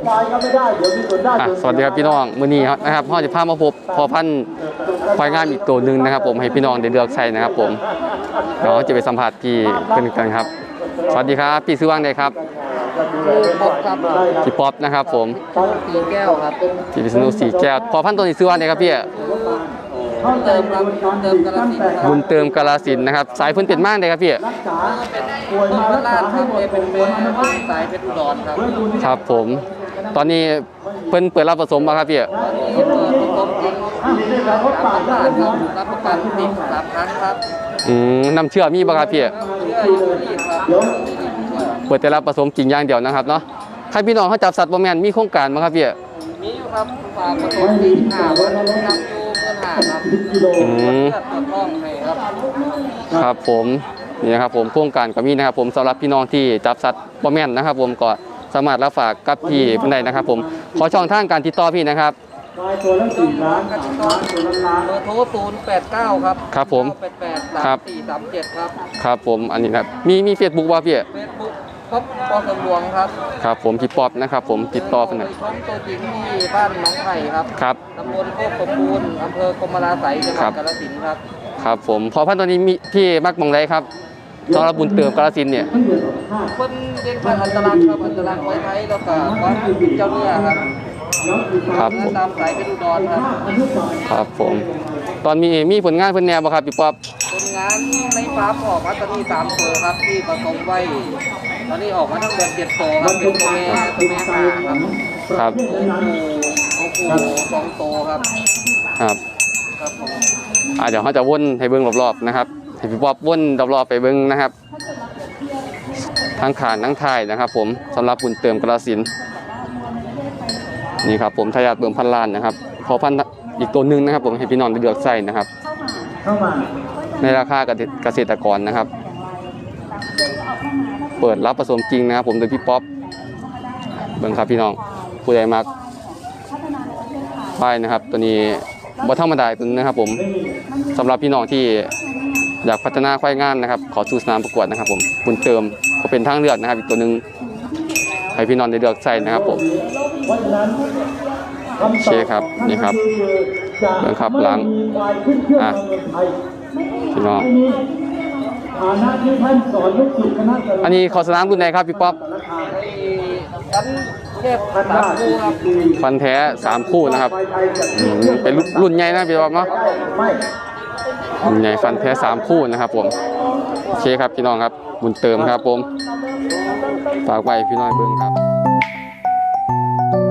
สวัสดีครับพี่น้องมื้อนี้นะครับพ่อจะพามาพบพอพันธุ์ควายงามอีกตัวหนึ่งนะครับผมให้พี่น้องได้เลือกใช้นะครับผมเดี๋ยวจะไปสัมผัสพี่เป็นกันครับสวัสดีครับพี่ซื้อว่างได้ครับป๊อปครับพี่ป๊อปนะครับผมสีแก้วครับพี่พิษณุสีแก้วพอพันธุ์ตัวนี้ซื้อว่างได้ครับพี่เติมครับเติมกาลสินบุญเติมกาลสินนะครับสายพื้นเป็นมากเลยครับพี่เป็นต้นพระราชครับเป็นสายเป็นอุดรครับครับผมตอนนี้เพิ่นเปิดรับผสมมาครับพี่ตอนนี้เปิดผสมจริง3,000 บาทครับรับประกันติด3 ครั้งครับน้ำเชื่อมีป่ะครับพี่เชื่ออยู่ที่ครับเปิดแต่รับผสมจริงอย่างเดียวนะครับเนาะใครพี่น้องเขาจับสัตว์บ่แม่นมีโครงการมั้งครับพี่มีอยู่ครับฝากผสม45วันทำอยู่15ครับต้องให้ครับผมนี่นะครับผมโครงการก็มีนะครับผมสำหรับพี่น้องที่จับสัตว์บ่แม่นนะครับผมก็สามารถรับฝากกับพี่เป็นได้นะครับผมขอช่องทางการติดต่อพี่นะครับตัวละ4 ล้านกันต่อเบอร์โทร089ครับครับผม 88 3437ครับครับผมอันนี้ครับมีเฟซบุ๊กว่าพี่เฟซบุ๊กป๊อปปอสมหลวงครับครับผมพี่ป๊อปนะครับผมติดต่อเพิ่นนะช่องตัวจริงที่บ้านหนองไผ่ครับครับตำบลโคกสมบูรณ์อำเภอกรมราศัยจังหวัดกาฬสินธุ์ครับครับผมพอพันตัวนี้มีพี่มักมองไรครับสำหรับบุญเติมกาฬสินธุ์เนี่ยคนเรียนพันธุ์อันตรายครับอันตรายไว้ไทยแล้วก็ความเป็นเจ้าเนื้อครับครับผมตามสายเป็นอุดรครับครับผมตอนมีผลงานเพิ่นแนวบ่ครับพี่ป๊อปผลงานในฟาร์มออกมาตอนนี้3 ตัวครับที่ผสมไว้ตอนนี้ออกมาทั้งแบบ7 ตัวครับเป็นตัวแม่5ครับครับโอ้โห2 ตัวครับครับครับผมเดี๋ยวเขาจะวนให้เบิ้งรอบๆนะครับให้พี่ป๊อปวนรอบๆไปเบิ้งนะครับทั้งขานทั้งท้ายนะครับผมสำหรับบุญเติมกาฬสินธุ์นี่ครับผมทายาทเบิ่มพันล้านนะครับพอพันอีกตัวหนึ่งนะครับผมให้พี่น้องได้เลือกใส่นะครับในราคาเกษตรกรนะครับเปิดรับผสมจริงนะครับผมโดยพี่ป๊อปเบิ่งครับพี่น้องผู้ใหญ่มากป้ายนะครับตัวนี้บ่ธรรมดาตัวนึงนะครับผมสำหรับพี่น้องที่อยากพัฒนาควายงามนะครับขอสู่สนามประกวดนะครับผมบุญเติมก็เป็นทางเลือกนะครับอีกตัวนึงให้พี่น้องได้เลือกใส่นะครับผมโอเคครับนี่ครับเบิ่งครับหลังพี่น้องอันนี้ขอสนามรุ่นไหนครับพี่ป๊อปฟันแท้3 คู่นะครับเป็นรุ่นใหญ่นะพี่ป๊อปเนาะรุ่นใหญ่ฟันแท้3 คู่นะครับผมโอเคครับพี่น้องครับบุญเติมครับผมฝากไว้พี่น้องเบิ่งครับ